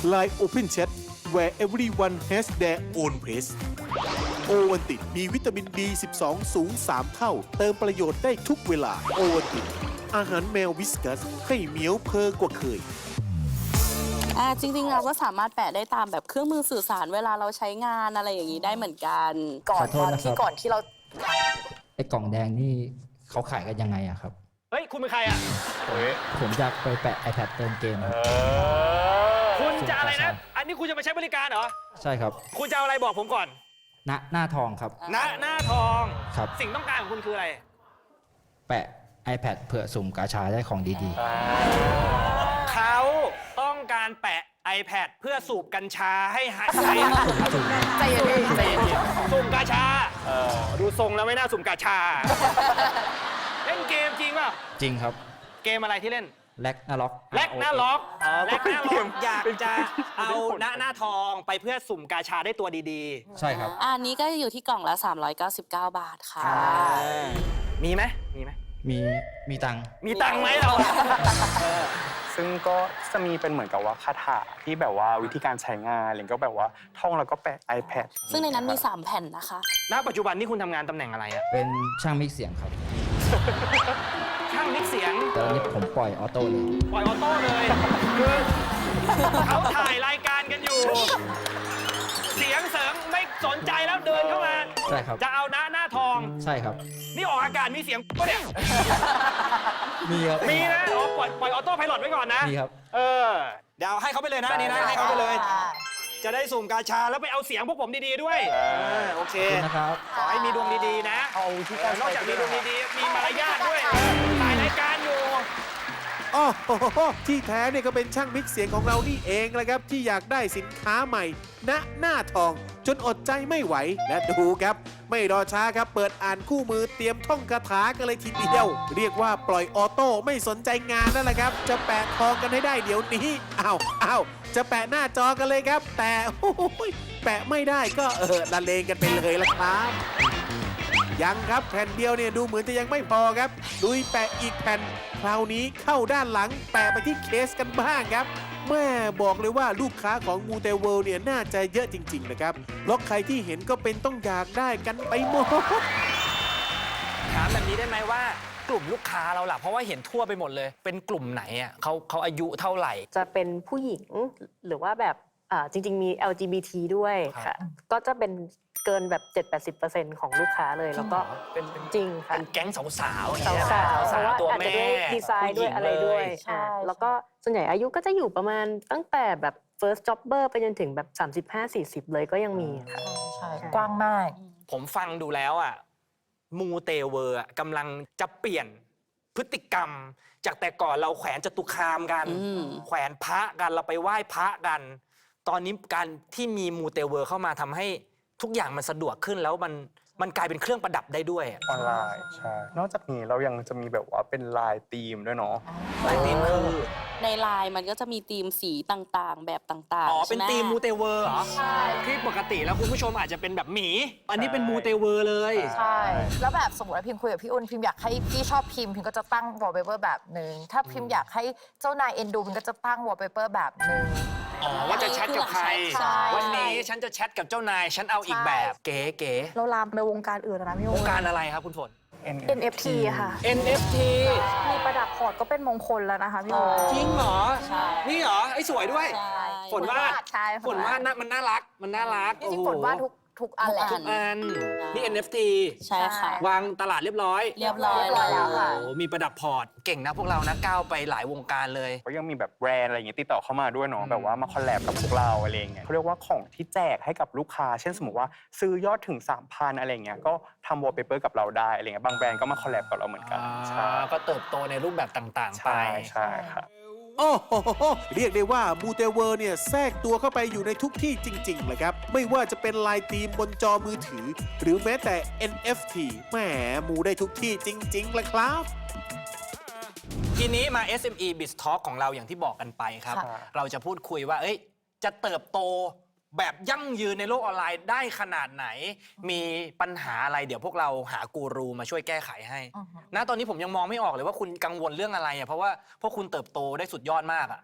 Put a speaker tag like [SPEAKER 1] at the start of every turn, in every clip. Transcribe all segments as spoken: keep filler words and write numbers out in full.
[SPEAKER 1] ไลน์ Open Chat where everyone has their own place โอวัลตินมีวิตามิน บี สิบสอง สูง สาม เท่า เติมประโยชน์ได้ทุกเวลา โอวัลตินอาหารแมววิสกัสให้เหมียวเพอกว่าเคย
[SPEAKER 2] อ่าจริงๆเราก็สามารถแปะได้ตามแบบเครื่องมือสื่อสารเวลาเราใช้งานอะไรอย่างนี้ได้เหมือนกันก่อนตอนที่ก่อนที่เรา
[SPEAKER 3] ไอ้กล่องแดงนี่เขาขายกันยังไงอะครับ
[SPEAKER 4] เฮ้ยคุณเป็นใครอะ
[SPEAKER 3] ผมจะไปแปะ iPad เติมเกม
[SPEAKER 4] คุณจะอะไรนะอันนี้คุณจะมาใช้บริการเหรอ
[SPEAKER 3] ใช่ครับ
[SPEAKER 4] คุณจะเอาอะไรบอกผมก่อน
[SPEAKER 3] หน้าหน้าทองครับ
[SPEAKER 4] หน้าหน้าทอง
[SPEAKER 3] ครับ
[SPEAKER 4] สิ่งต้องการของคุณคืออะไร
[SPEAKER 3] แปะ iPad เผื่อสุ่มกาชาได้ของดี
[SPEAKER 4] ๆเขาต้องการแปะ iPad เพื่อสูบกัญชาให้หายใจ
[SPEAKER 2] ใจเย็นๆใจเย็น
[SPEAKER 4] ๆสุ่มกาชาดูทรงแล้วไม่น่าสุ่มกาชาเล่นเกมจริงป่ะ
[SPEAKER 3] จริงครับ
[SPEAKER 4] เกมอะไรที่เล่น
[SPEAKER 3] แล็กหน้าล็อก
[SPEAKER 4] แล็กหน้าล็อกแล็กหน้าล็อกอยากจะเอาหน้าหน้าทองไปเพื่อสุ่มกาชาได้ตัวดี
[SPEAKER 3] ๆใช่ครับ
[SPEAKER 2] อันนี้ก็อยู่ที่กล่องละสามร้อยเก้าสิบเก้าบาทค่ะ
[SPEAKER 4] มีไหมมีไหม
[SPEAKER 3] มีมีตังค์
[SPEAKER 4] มีตังค์ไหมเรา
[SPEAKER 5] ซึ่งก็จะมีเป็นเหมือนกับว่าคาถาที่แบบว่าวิธีการใช้งานหรือก็แบบว่าท่องแล้วก็แปะ iPad
[SPEAKER 2] ซึ่งในนั้นมีสามแผ่นนะคะ
[SPEAKER 4] ณปัจจุบันนี่คุณทำงานตำแหน่งอะไรอะ
[SPEAKER 3] เป็นช่างมิกเสียงครับ
[SPEAKER 4] ช่างมิกเสียง
[SPEAKER 3] แต่ตอนนี้ผมปล่อยออโต้เลย
[SPEAKER 4] ปล่อยออโต้เลยคือเขาถ่ายรายการกันอยู่เสียงเสริมไม่สนใจแล้วเดินเข้ามา
[SPEAKER 3] ใช่ครับ
[SPEAKER 4] จะเอาหน้าหน้าทอง
[SPEAKER 3] ใช่ครับ
[SPEAKER 4] นี่ออกอากาศมีเสียงปะเนี่ย
[SPEAKER 3] มีครับ
[SPEAKER 4] มีนะอ๋อปล่อยปล่อยออโต้ไพลอตไว้ก่อนนะ
[SPEAKER 3] มีครับ
[SPEAKER 4] เออเดี๋ยวให้เขาไปเลยนะนี่นะให้เขาไปเลยจะได้สุ่มกาชาแล้วไปเอาเสียงพวกผมดีๆด้วยโอเค
[SPEAKER 3] นะครับ
[SPEAKER 4] ขอให้มีดวงดีๆนะนอกจากมีดวงดีๆมีมารยาทด้วยถ่ายรายการอยู่
[SPEAKER 1] อ๋อที่แท้เนี่ยก็เป็นช่างมิกเสียงของเรานี่เองแหละครับที่อยากได้สินค้าใหม่ณหน้าทองจนอดใจไม่ไหวและดูครับไม่รอช้าครับเปิดอ่านคู่มือเตรียมท่องคาถากันเลยทีเดียวเรียกว่าปล่อยออโต้ไม่สนใจงานนั่นแหละครับจะแปะทองกันให้ได้เดี๋ยวนี้อ้าวอ้าวจะแปะหน้าจอกันเลยครับแต่โอ้ยแปะไม่ได้ก็เออละเลงกันไปเลยละครับยังครับแผ่นเดียวเนี่ยดูเหมือนจะยังไม่พอครับดุยแปะอีกแผ่นคราวนี้เข้าด้านหลังแปะไปที่เคสกันบ้างครับแม่บอกเลยว่าลูกค้าของมูเตเวิลด์เนี่ยน่าจะเยอะจริงๆนะครับเพราะใครที่เห็นก็เป็นต้องอยากได้กันไปหมด
[SPEAKER 4] ถามแบบนี้ได้ไหมว่ากลุ่มลูกค้าเราล่ะเพราะว่าเห็นทั่วไปหมดเลยเป็นกลุ่มไหนอ่ะเขาเขาอายุเท่าไหร่
[SPEAKER 6] จะเป็นผู้หญิงหรือว่าแบบจริงๆมี แอล จี บี ที ด้วยค่ะก็จะเป็นเกินแบบ เจ็ดถึงแปดสิบเปอร์เซ็นต์ ของลูกค้าเลยแล้วก็
[SPEAKER 4] เป็น
[SPEAKER 6] จริงค่ะ
[SPEAKER 4] เป็นแก๊งสาวๆสาว
[SPEAKER 6] สาวๆเพราะว่าอาจจะด้วยดีไซน์ด้วยอะไรด้วยแล้วก็ส่วนใหญ่อายุก็จะอยู่ประมาณตั้งแต่แบบ first jobber ไปจนถึงแบบ สามสิบห้าสี่สิบ เลยก็ยังมีค่ะ
[SPEAKER 2] ใช่กว้างมาก
[SPEAKER 4] ผมฟังดูแล้วอ่ะมูเตเวอร์กำลังจะเปลี่ยนพฤติกรรมจากแต่ก่อนเราแขวนจตุคามกันแขวนพระกันเราไปไหว้พระกันตอนนี้การที่มีมูเตเวอร์เข้ามาทำให้ทุกอย่างมันสะดวกขึ้นแล้วมันมันกลายเป็นเครื่องประดับได้ด้วย
[SPEAKER 5] ออนไลน์ใช่นอกจากนี้เรายังจะมีแบบว่าเป็นลายธีมด้วยเนาะ
[SPEAKER 4] ลายธีมคือ
[SPEAKER 2] ในลายมันก็จะมีธีมสีต่างๆแบบต่างๆ
[SPEAKER 4] อ๋อเป็นธีมมูเตเวอร์เหรอใช่ที่ปกติแล้วคุณผู้ชมอาจจะเป็นแบบหมีอันนี้เป็นมูเตเวอร์เลย
[SPEAKER 7] ใช่แล้วแบบสมมติว่าพิมคุยกับพี่อุ่นพิมอยากให้พี่ชอบพิมพิมก็จะตั้งวอลเปเปอร์แบบหนึ่งถ้าพิมอยากให้เจ้านายเอ็นดูพิมก็จะตั้งวอลเปเปอร์แบบหนึ่ง
[SPEAKER 4] อ๋อว่าจะแชทกับใครวันนี้ฉันจะแชทกับเจ้านายฉันเอาอีกแบบเก๋ๆ
[SPEAKER 7] เราลามไปวงการอื่นนะพี่
[SPEAKER 4] วงการอะไรครับคุณฝน
[SPEAKER 7] เอ็น เอฟ ที ค่ะ
[SPEAKER 4] เอ็น เอฟ ที
[SPEAKER 7] มีประดับพอร์ตก็เป็นมงคลแล้วนะคะพี่โอ
[SPEAKER 4] จริงเหรอนี่เหรอไอ้สวยด้วยฝนวาดฝนวาดมันน่ารักมันน่ารัก
[SPEAKER 7] จริงๆฝนวาดทุกทุกอันแหละ
[SPEAKER 4] ทุกอันนี่ เอ็น เอฟ ที
[SPEAKER 2] ใช่ค่ะ
[SPEAKER 4] วางตลาดเรียบร้อย
[SPEAKER 2] เรียบร้อย
[SPEAKER 7] แล้วค่ะ
[SPEAKER 4] โอ้มีประดับพอร์ตเก่งนะพวกเรานะก้าวไปหลายวงการเลย
[SPEAKER 5] ก็ยังมีแบบแบรนด์อะไรอย่างเงี้ยติดต่อเข้ามาด้วยเนาะแบบว่ามาคอลแลบกับพวกเราอะไรอย่างเงี้ยเขาเรียกว่าของที่แจกให้กับลูกค้าเช่นสมมติว่าซื้อยอดถึง สามพัน อะไรอย่างเงี้ยก็ทำวอลเปเปอร์กับเราได้อะไรเงี้ยบางแบรนด์ก็มาคอลแลบกับเราเหมือนกัน
[SPEAKER 4] ใช่ก็เติบโตในรูปแบบต่างๆไป
[SPEAKER 5] ใช่ครับ
[SPEAKER 1] โอ้โหเรียกได้ว่ามูเตเวอร์เนี่ยแทรกตัวเข้าไปอยู่ในทุกที่จริงๆเลยครับไม่ว่าจะเป็นลายธีมบนจอมือถือหรือแม้แต่ เอ็น เอฟ ที แหมมูได้ทุกที่จริงๆเลยครับ
[SPEAKER 4] ทีนี้มา เอส เอ็ม อี Biz Talk ของเราอย่างที่บอกกันไปครับเราจะพูดคุยว่าเอ้ยจะเติบโตแบบยั่งยืนในโลกออนไลน์ได้ขนาดไหนมีปัญหาอะไรเดี๋ยวพวกเราหากูรูมาช่วยแก้ไขให้ณตอนนี้ผมยังมองไม่ออกเลยว่าคุณกังวลเรื่องอะไรอ่ะเพราะว่าพวกคุณเติบโตได้สุดยอดมากอ่ะ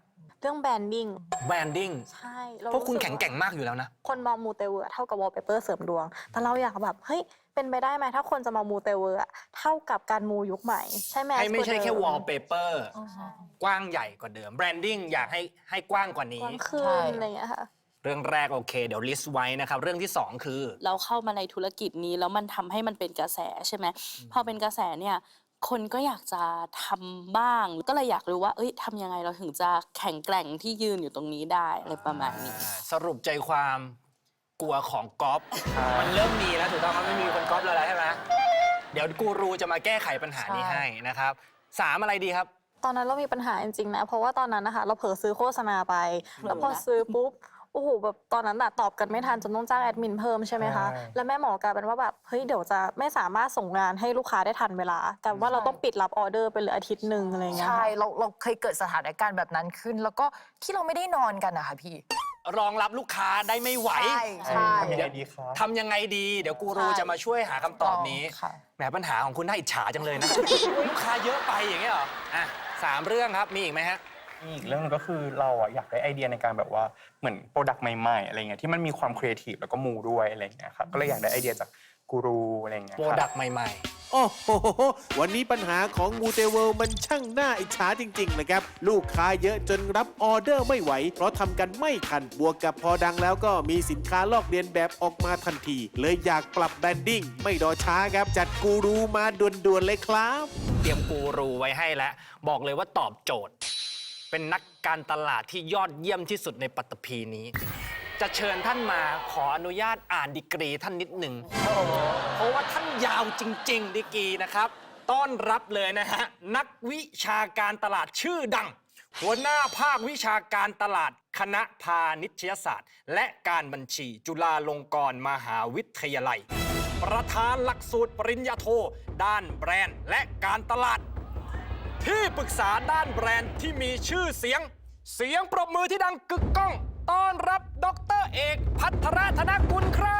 [SPEAKER 8] เรื่องแบรนดิ้ง
[SPEAKER 4] แบรนดิ้ง
[SPEAKER 8] ใช่เรา
[SPEAKER 4] พวกคุณ
[SPEAKER 8] รู้สึ
[SPEAKER 4] แข็งแกร่งมากอยู่แล้วนะ
[SPEAKER 8] คนมองมูเตเวอร์เท่ากับวอลเปเปอร์เสริมดวง แต่เราอยากแบบเฮ้ยเป็นไปได้ไหมถ้าคนจะมามูเตเวอร์เท่ากับการมูยุคใหม่ใช่ไหม
[SPEAKER 4] ให้ไม่ใช่แค่
[SPEAKER 8] เดิ
[SPEAKER 4] วอลเปเปอร์กว้างใหญ่กว่าเดิมแบรนดิ้งอยากให้ให้กว้างกว่านี้
[SPEAKER 8] กว้างขึ้
[SPEAKER 7] ใช่
[SPEAKER 8] นอะไรอย่างเงี้ยค่ะ
[SPEAKER 4] เรื่องแรกโอเค เดี๋ยวลิสต์ไว้นะครับ เรื่องที่สองคือ
[SPEAKER 2] เราเข้ามาในธุรกิจนี้แล้วมันทำให้มันเป็นกระแสใช่ไหมพอเป็นกระแสเนี่ยคนก็อยากจะทำบ้าง ก็เลยอยากรู้ว่าเอ้ยทำยังไงเราถึงจะแข็งแกร่งที่ยืนอยู่ตรงนี้ได้อะไรประมาณนี้
[SPEAKER 4] สรุปใจความกลัวของก๊อฟมันเริ่มมีแล้วถูกต้องมันไม่มีคนก๊อฟแล้วใช่ไหมเดี๋ยวกูรูจะมาแก้ไขปัญหานี้
[SPEAKER 7] ใช่
[SPEAKER 4] ให้นะครับสามอะไรดีครับ
[SPEAKER 8] ตอนนั้นเรามีปัญหาจริงๆนะ เพราะว่าตอนนั้นนะคะเราเผลอซื้อโฆษณาไป แล้วพอซื้อปุ๊บ โอ้โหแบบตอนนั้นอะตอบกันไม่ทันจนต้องจ้างแอดมินเพิ่มใช่ไหมคะ
[SPEAKER 5] ใช่
[SPEAKER 8] แล้วแม่หมอกลายเป็นว่าแบบเฮ้ยเดี๋ยวจะไม่สามารถส่งงานให้ลูกค้าได้ทันเวลากลายเป็นว่าเราต้องปิดรับออเดอร์ไปเลยอาทิตย์หนึ่งอะไรอย่างเงี้ย
[SPEAKER 7] ใช่
[SPEAKER 8] ค่ะ
[SPEAKER 7] เราเราเคยเกิดสถานการณ์แบบนั้นขึ้น แล้วก็ที่เราไม่ได้นอนกันนะคะพี่
[SPEAKER 4] รองรับลูกค้าได้ไม่ไหว
[SPEAKER 7] ใช่ใช่
[SPEAKER 5] ทำยังไงดีคะ
[SPEAKER 4] ทำยังไงดี เดี๋ยวกูรูจะมาช่วยหาคำตอบนี้
[SPEAKER 7] ค่ะ
[SPEAKER 4] แหมปัญหาของคุณน่าอิจฉาจังเลยนะ ลูกค้าเยอะไปอย่างเงี้ยเหรออ่ะสามเรื่องครับมีอีกไหมฮะ
[SPEAKER 5] อีกเรื่องหนึงก็คือเราอะอยากได้ไอเดียในการแบบว่าเหมือนโปรดักต์ใหม่ๆอะไรเงี้ยที่มันมีความครีเอทีฟแล้วก็มูด้วยอะไรเงี้ยครับก็เลยอยากได้ไอเดียจากกูรูอะไรเงี้ย
[SPEAKER 4] โปร
[SPEAKER 5] ครับ
[SPEAKER 4] ดักต์ใหม่
[SPEAKER 1] โอ้โห วันนี้ปัญหาของมูเตเวิลด์มันช่างน่าอิจฉาจริง ๆ นะครับ ลูกค้าเยอะจนรับออเดอร์ไม่ไหว เพราะทำกันไม่ทัน บวกกับพอดังแล้วก็มีสินค้าลอกเลียนแบบออกมาทันที เลยอยากปรับแบรนดิ้งไม่รอช้าครับ จัดกูรูมาด่วนๆเลยครับ
[SPEAKER 4] ๆ เตรียมกูรูไว้ให้แล้ว บอกเลยว่าตอบโจทย์ เป็นนักการตลาดที่ยอดเยี่ยมที่สุดในปัตตภีนี้ จะเชิญท่านมาขออนุญาตอ่านดีกรีท่านนิดหนึ่งเพราะว่าท่านยาวจริง ๆ ดีกรีนะครับ ต้อนรับเลยนะฮะ นักวิชาการตลาดชื่อดัง หัวหน้าภาควิชาการตลาดคณะพาณิชยศาสตร์ และการบัญชี จุฬาลงกรณ์มหาวิทยาลัย ประธานหลักสูตรปริญญาโท ด้านแบรนด์และการตลาด ที่ปรึกษาด้านแบรนด์ที่มีชื่อเสียง เสียงปรบมือที่ดังกึกก้อง ต้อนรับดรเอกภัทรธนกุลครับ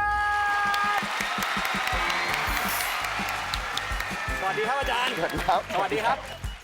[SPEAKER 4] สวัสดีครับอาจารย์
[SPEAKER 9] สวัสดีครับ
[SPEAKER 4] สวัสดีครับ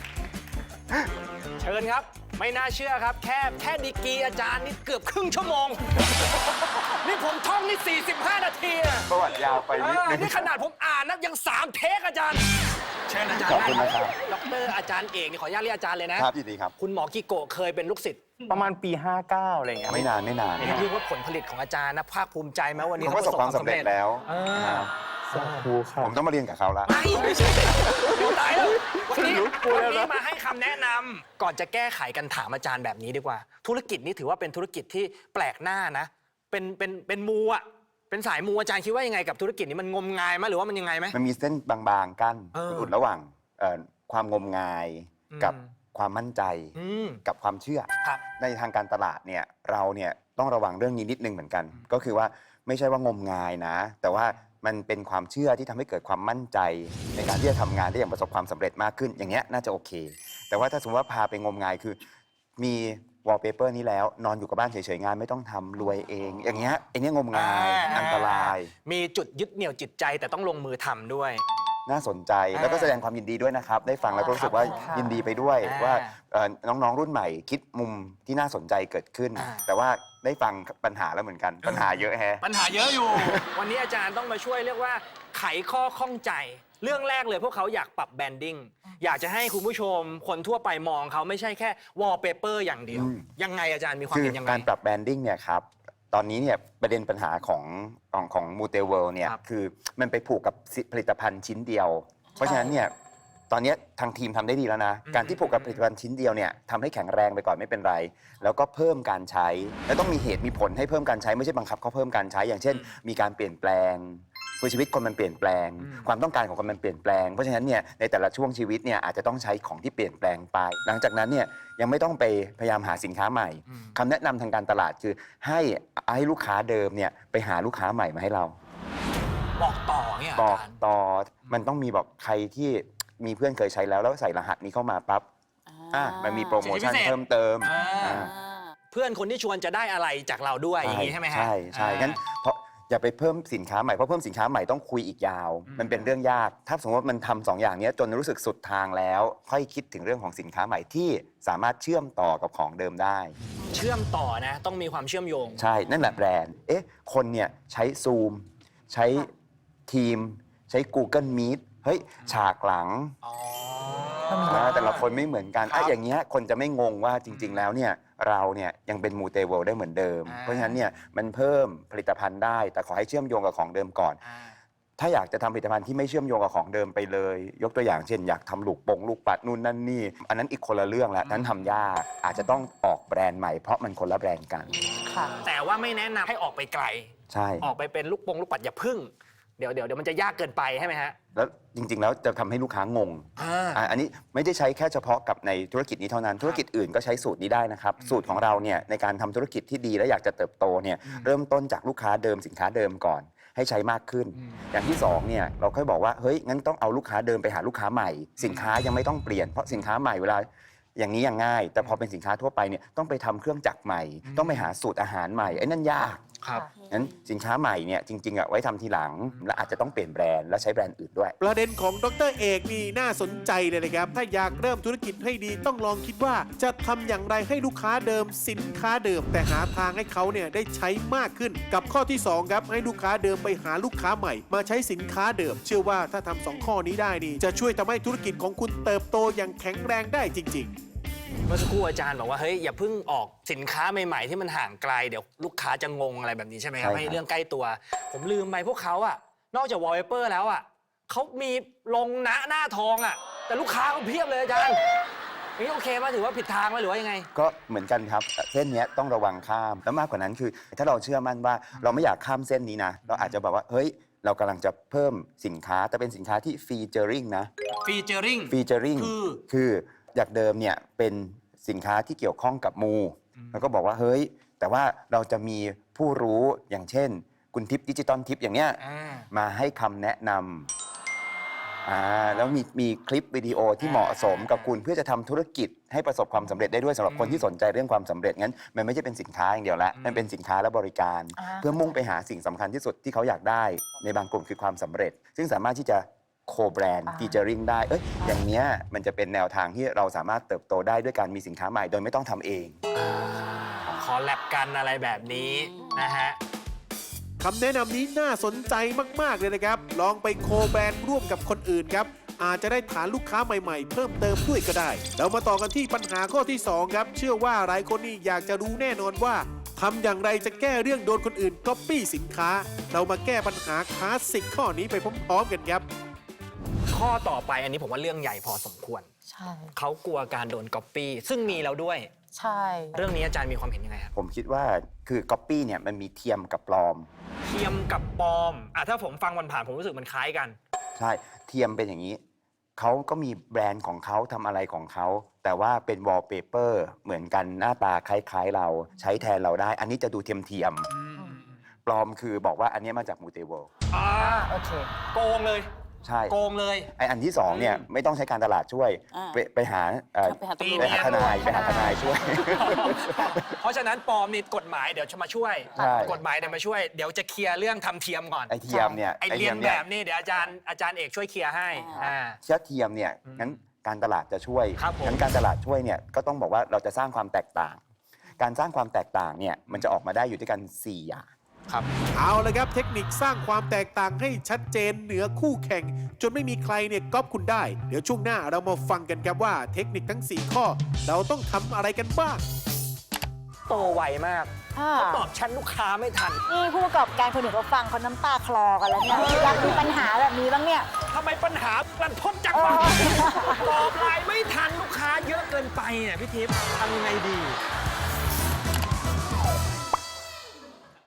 [SPEAKER 4] เชิญครับ ไม่น่าเชื่อครับ แค่แค่ดีกรีอาจารย์นี่เกือบครึ่งชั่วโมง นี่ผมท่องนี่ สี่สิบห้า นาทีอะ
[SPEAKER 9] ประวัติยาวไป
[SPEAKER 4] เอ
[SPEAKER 9] นิด
[SPEAKER 4] อ
[SPEAKER 9] นึง
[SPEAKER 4] นี่ขนาดผมอ่านนะยังสามเทคอาจารย์ เชิญอาจารย์
[SPEAKER 9] ขอบคุณนะครับ
[SPEAKER 4] ดอกเตอรอาจารย์เอกนี่ขออนุญาตเรียกอาจารย์เลยนะ
[SPEAKER 9] ครับยินดีครับ
[SPEAKER 4] คุณหมอกิโกะเคยเป็นลูกศิษย์
[SPEAKER 5] ประมาณปีห้าเก้าอะไรเงี้ย
[SPEAKER 9] ไม่นานไม่นาน
[SPEAKER 4] เรียกว่าผลผลิตของอาจารย์นะภาคภูมิใจไหมวันนี้
[SPEAKER 9] เขาประสบความสำเร็จแล้ว
[SPEAKER 4] เออ
[SPEAKER 9] นะครับ
[SPEAKER 5] สาธุค่ะ
[SPEAKER 9] ผมต้องมาเรียนกับเขาละ
[SPEAKER 4] ไม่ไม่ใช่โอ้ตายแล้ววันนี้
[SPEAKER 5] รู้กลัว
[SPEAKER 4] วัน
[SPEAKER 5] แล้วนะ
[SPEAKER 4] นี้มาให้คำแนะนำก่อนจะแก้ไขกันถามอาจารย์แบบนี้ดีกว่า ธุรกิจนี้ถือว่าเป็นธุรกิจที่แปลกหน้านะ เป็นเป็นเป็นมูอะเป็นสายมูอาจารย์คิดว่ายังไงกับธุรกิจนี้มันงมงายไหมหรือว่ามันยังไงไหม
[SPEAKER 9] มันมีเส้นบางๆกั้น
[SPEAKER 4] เออ
[SPEAKER 9] อุดระหว่างเอ่อความงมงาย
[SPEAKER 4] อืม
[SPEAKER 9] กับความมั่นใจ
[SPEAKER 4] อืม
[SPEAKER 9] กับความเชื่อ
[SPEAKER 4] ครับ
[SPEAKER 9] ในทางการตลาดเนี่ยเราเนี่ยต้องระวังเรื่องนี้นิดนึงเหมือนกัน ก็คือว่าไม่ใช่ว่างมงายนะ แต่ว่ามันเป็นความเชื่อที่ทำให้เกิดความมั่นใจ ในการที่จะทำงานได้อย่างประสบความสำเร็จมากขึ้น อย่างเงี้ยน่าจะโอเค แต่ว่าถ้าสมมติว่าพาไปงมงายคือ มีวอลเปเปอร์นี้แล้วนอนอยู่กับบ้านเฉยๆงานไม่ต้องทำรวยเอง อย่างเงี้ยไอ้เนี้ยงมงาย
[SPEAKER 4] อ่า
[SPEAKER 9] อันตราย
[SPEAKER 4] มีจุดยึดเหนี่ยวจิตใจแต่ต้องลงมือทำด้วย
[SPEAKER 9] น่าสนใจแล้วก็แสดงความยินดีด้วยนะครับ ได้ฟังแล้วก็รู้สึกว่า
[SPEAKER 7] ครับ
[SPEAKER 9] ยินดีไปด้วย
[SPEAKER 4] อ่า
[SPEAKER 9] ว่าเอ่อน้องๆรุ่นใหม่คิดมุมที่น่าสนใจเกิดขึ้น
[SPEAKER 4] อ่า
[SPEAKER 9] แต่ว่าได้ฟังปัญหาแล้วเหมือนกัน ปัญหาเยอะแฮะ
[SPEAKER 4] ปัญหาเยอะอยู่ วันนี้อาจารย์ต้องมาช่วยเรียกว่าไขข้อข้องใจ เรื่องแรกเลยพวกเขาอยากปรับแบรนดิ้งอยากจะให้คุณผู้ชมคนทั่วไปมองเขาไม่ใช่แค่วอลเปเปอร์อย่างเดียว
[SPEAKER 9] อืม
[SPEAKER 4] ยังไงอาจารย์มีความ
[SPEAKER 9] คือ
[SPEAKER 4] เห็นยังไง
[SPEAKER 9] การปรับแบรนดิ้งเนี่ยครับตอนนี้เนี่ยประเด็นปัญหาของของของมูเตเวิลเนี่ย
[SPEAKER 4] ครับ
[SPEAKER 9] คือมันไปผูกกับผลิตภัณฑ์ชิ้นเดียว เพราะฉะนั้นเนี่ยตอนนี้ทางทีมทำได้ดีแล้วนะ การที่ผูกกับผลิตภัณฑ์ชิ้นเดียวเนี่ยทำให้แข็งแรงไปก่อนไม่เป็นไร แล้วก็เพิ่มการใช้ แล้วต้องมีเหตุมีผลให้เพิ่มการใช้ไม่ใช่บังคับเขาเพิ่มการใช้ อย่างเช่น มีการเปลี่ยนแปลงคือชีวิตคนมันเปลี่ยนแปลง ความต้องการของคนมันเปลี่ยนแปลง เพราะฉะนั้นเนี่ยในแต่ละช่วงชีวิตเนี่ยอาจจะต้องใช้ของที่เปลี่ยนแปลงไป หลังจากนั้นเนี่ยยังไม่ต้องไปพยายามหาสินค้าใหม่คำแนะนำทางการตลาดคือให้ให้ลูกค้าเดิมเนี่ยไปหาลูกค้าใหม่มาให้เรา
[SPEAKER 4] บอกต่อเนี่ย
[SPEAKER 9] บอก
[SPEAKER 4] อาจารย์
[SPEAKER 9] ต่อมันต้องมีบอกใครที่มีเพื่อนเคยใช้แล้วแล้วใส่รหัสนี้เข้ามาปั๊บอ่ะมันมีโปรโมชั่นเพิ่มเติม
[SPEAKER 4] อ่า
[SPEAKER 9] อ่า
[SPEAKER 4] เพื่อนคนที่ชวนจะได้อะไรจากเราด้วยอย่างนี้ใช่ไหมฮะ
[SPEAKER 9] ใช่ใช่
[SPEAKER 4] อ่า
[SPEAKER 9] งั้นเพราะอย่าไปเพิ่มสินค้าใหม่เพราะเพิ่มสินค้าใหม่ต้องคุยอีกยาว มันเป็นเรื่องยาก ถ้าสมมติว่ามันทำสองอย่างเนี้ยจนรู้สึกสุดทางแล้ว ค่อยคิดถึงเรื่องของสินค้าใหม่ที่สามารถเชื่อมต่อกับของเดิมได้
[SPEAKER 4] เชื่อมต่อนะ ต้องมีความเชื่อมโยง
[SPEAKER 9] ใช่ นั่นแหละแบรนด์ เอ๊ะ คนเนี่ยใช้ Zoom ใช้ทีม ใช้ Google Meet เฮ้ย ฉากหลัง
[SPEAKER 4] อ๋อ
[SPEAKER 9] อ่าแต่ละคนไม่เหมือนกันอ่ะอย่างเงี้ยคนจะไม่งงว่าจริง ๆ แล้วเนี่ยเราเนี่ยยังเป็นมูเตเวิลด์ได้เหมือนเดิม
[SPEAKER 4] อ่า
[SPEAKER 9] เพราะฉะนั้นเนี่ยมันเพิ่มผลิตภัณฑ์ได้ แต่ขอให้เชื่อมโยงกับของเดิมก่อน
[SPEAKER 4] อ่า
[SPEAKER 9] ถ้าอยากจะทำผลิตภัณฑ์ที่ไม่เชื่อมโยงกับของเดิมไปเลย ยกตัวอย่างเช่นอยากทำลูกปงลูกปัดนู่นนั่นนี่ อันนั้นอีกคนละเรื่องแล้วนั้นทำยากอาจจะต้องออกแบรนด์ใหม่เพราะมันคนละแบรนด์กัน
[SPEAKER 7] ค่ะ
[SPEAKER 4] แต่ว่าไม่แนะนำให้ออกไปไกล
[SPEAKER 9] ใช่
[SPEAKER 4] ออกไปเป็นลูกปงลูกปัดอย่าพึ่ง เดี๋ยวเดี๋ยวเดี๋ยวมันจะยากเกินไปใช่ไหมฮะ
[SPEAKER 9] แล้วจริง ๆ แล้วจะทำให้ลูกค้างง
[SPEAKER 4] อ่า
[SPEAKER 9] อ่ะอันนี้ไม่ได้ใช้แค่เฉพาะกับในธุรกิจนี้เท่านั้น ธุรกิจอื่นก็ใช้สูตรนี้ได้นะครับ สูตรของเราเนี่ยในการทำธุรกิจที่ดีและอยากจะเติบโตเนี่ยเริ่มต้นจากลูกค้าเดิมสินค้าเดิมก่อน ให้ใช้มากขึ้น อย่างที่สองเนี่ยเราค่อยบอกว่าเฮ้ยงั้นต้องเอาลูกค้าเดิมไปหาลูกค้าใหม่ สินค้ายังไม่ต้องเปลี่ยนเพราะสินค้าใหม่เวลาอย่างนี้ยังง่าย แต่พอเป็นสินค้าทั่วไปเนี่ยต้องไปทำเครื่องจักรใหม่ ต้องไปหาสูตรอาหารใหม่ไอ้นั่นยาก
[SPEAKER 4] ครับ
[SPEAKER 9] งั้นสินค้าใหม่เนี่ยจริงๆอ่ะไว้ทำทีหลังและอาจจะต้องเปลี่ยนแบรนด์และใช้แบรนด์อื่นด้วย
[SPEAKER 1] ประเด็นของดรเอกนี่น่าสนใจเลยนะครับ ถ้าอยากเริ่มธุรกิจให้ดีต้องลองคิดว่าจะทำอย่างไรให้ลูกค้าเดิมสินค้าเดิม แต่หาทางให้เขาเนี่ยได้ใช้มากขึ้น กับข้อที่สองครับให้ลูกค้าเดิมไปหาลูกค้าใหม่ มาใช้สินค้าเดิม เชื่อว่าถ้าทำสองข้อนี้ได้นี่จะช่วยทำให้ธุรกิจของคุณเติบโตอย่างแข็งแรงได้จริง ๆ
[SPEAKER 4] เมื่อสักครู่อาจารย์บอกว่าเฮ้ยอย่าเพิ่งออกสินค้าใหม่ๆ ที่มันห่างไกลเดี๋ยวลูกค้าจะงงอะไรแบบนี้ใช่ไหมครับ
[SPEAKER 9] ใช่ครับ
[SPEAKER 4] ให้เรื่องใกล้ตัว ผมลืมไปพวกเขาอะนอกจากวอลเปเปอร์แล้วอะเขามีลงหน้าหน้าทองอะแต่ลูกค้าเขาเพียบเลยอาจารย์อย่างนี้โอเคไหมถือว่าผิดทางไหมหรือว่ายังไง
[SPEAKER 9] ก็เหมือนกันครับเส้นเนี้ยต้องระวังข้ามแล้วมากกว่านั้นคือ ถ้าเราเชื่อมั่นว่าเราไม่อยากข้ามเส้นนี้นะเราอาจจะแบบว่าเฮ้ยเรากำลังจะเพิ่มสินค้าแต่เป็นสินค้าที่ฟีเจอริงนะ
[SPEAKER 4] ฟีเจอริง
[SPEAKER 9] ฟีเจอริง
[SPEAKER 4] คือ
[SPEAKER 9] คือจากเดิมเนี่ยเป็นสินค้าที่เกี่ยวข้องกับมู แล้วก็บอกว่าเฮ้ยแต่ว่าเราจะมีผู้รู้อย่างเช่น คุณทิปดิจิตอลทิปอย่างเนี้ย
[SPEAKER 4] อ่า
[SPEAKER 9] มาให้คำแนะนำอ่าแล้วมีมีคลิปวิดีโอที่เหมาะสมกับคุณเพื่อจะทำธุรกิจให้ประสบความสำเร็จได้ด้วยสำหรับคนที่สนใจเรื่องความสำเร็จงั้นมันไม่ใช่เป็นสินค้าอย่างเดียวละมันเป็นสินค้าและบริการ
[SPEAKER 7] อ่า
[SPEAKER 9] เพื่อมุ่งไปหาสิ่งสำคัญที่สุดที่เขาอยากได้ในบางกลุ่มคือความสำเร็จ ซึ่งสามารถที่จะโคแบรนด์ฟีเจอริงได้เอ้ยอย่างเนี้ยมันจะเป็นแนวทางที่เราสามารถเติบโตได้ด้วยการมีสินค้าใหม่โดยไม่ต้องทำเอง
[SPEAKER 4] คอลแลบกันอะไรแบบนี้นะฮะ
[SPEAKER 1] คำแนะนำนี้น่าสนใจมาก ๆ เลยนะครับ ลองไปโคแบรนด์ร่วมกับคนอื่นครับ อาจจะได้ฐานลูกค้าใหม่ ๆ เพิ่มเติมด้วยก็ได้ แล้วมาต่อกันที่ปัญหาข้อที่สองครับ เชื่อว่าหลายคนนี่อยากจะรู้แน่นอนว่าทำอย่างไรจะแก้เรื่องโดนคนอื่นก๊อปปี้สินค้า เรามาแก้ปัญหาคลาสสิกข้อนี้ไปพร้อม ๆ กันครับ
[SPEAKER 4] ข้อต่อไปอันนี้ผมว่าเรื่องใหญ่พอสมควร
[SPEAKER 7] ใช่
[SPEAKER 4] เขากลัวการโดนก๊อปปี้ซึ่งมีแล้วด้วย
[SPEAKER 7] ใช่
[SPEAKER 4] เรื่องนี้อาจารย์มีความเห็นยังไงครับ
[SPEAKER 9] ผมคิดว่าคือก๊อปปี้เนี่ยมันมีเทียมกับปลอม
[SPEAKER 4] เทียมกับปลอมอ่ะถ้าผมฟังวันผ่านๆผมรู้สึกมันคล้ายกัน
[SPEAKER 9] ใช่เทียมเป็นอย่างนี้ เขาก็มีแบรนด์ของเขาทำอะไรของเขา แต่ว่าเป็นวอลเปเปอร์เหมือนกันหน้าตาคล้ายๆเราใช้แทนเราได้ อันนี้จะดูเทียมเทียมๆปลอมคือบอกว่าอันนี้มาจากมูเตเวิลด์
[SPEAKER 4] อ่า
[SPEAKER 7] โอเค
[SPEAKER 4] โกงเลย
[SPEAKER 9] ใช่
[SPEAKER 4] โกงเลย
[SPEAKER 9] ไออันที่สองเนี่ยไม่ต้องใช้การตลาดช่วย
[SPEAKER 2] อ่า
[SPEAKER 9] ไปไปหาเอ่อ
[SPEAKER 2] ไปหาตำรวจ
[SPEAKER 9] ไปหาทนายไปหาทนายช่วย
[SPEAKER 4] เพราะฉะนั้นปลอมนี่กฎหมายเดี๋ยวจะมาช่วย
[SPEAKER 9] ใช่
[SPEAKER 4] กฎหมายเดี๋ยวมาช่วย เดี๋ยวจะเคลียร์เรื่องทำเทียมก่อน
[SPEAKER 9] ไอเทียมเนี่ย
[SPEAKER 4] ไอเรียนแบบนี่เดี๋ยวอาจารย์อาจารย์เอกช่วยเคลียร์ให้ อ่า
[SPEAKER 9] เชื้อเทียมเนี่ยงั้นการตลาดจะช่วย
[SPEAKER 4] ครับผม
[SPEAKER 9] งั้นการตลาดช่วยเนี่ยก็ต้องบอกว่าเราจะสร้างความแตกต่าง การสร้างความแตกต่างเนี่ยมันจะออกมาได้อยู่ด้วยกันสี่อย่าง
[SPEAKER 4] ครับ
[SPEAKER 1] เอาละครับเทคนิคสร้างความแตกต่างให้ชัดเจนเหนือคู่แข่ง จนไม่มีใครเนี่ยก๊อปคุณได้ เดี๋ยวช่วงหน้าเรามาฟังกันครับว่าเทคนิคทั้ง สี่ ข้อ เราต้องทำอะไรกันบ้าง
[SPEAKER 4] โตไวมากเขาตอบชั้นลูกค้าไม่ทัน
[SPEAKER 10] นี่ผู้ประกอบการคนอื่นเขาฟังเขาน้ำตาคลอกันแล้วเนี่ยอยากมีปัญหาแบบนี้บ้างเนี่ย
[SPEAKER 4] ทำไมปัญหาลันทดจังวะตอบไลน์ไม่ทันลูกค้าเยอะเกินไปเนี่ยพี่ทิพย์ทำยังไงดี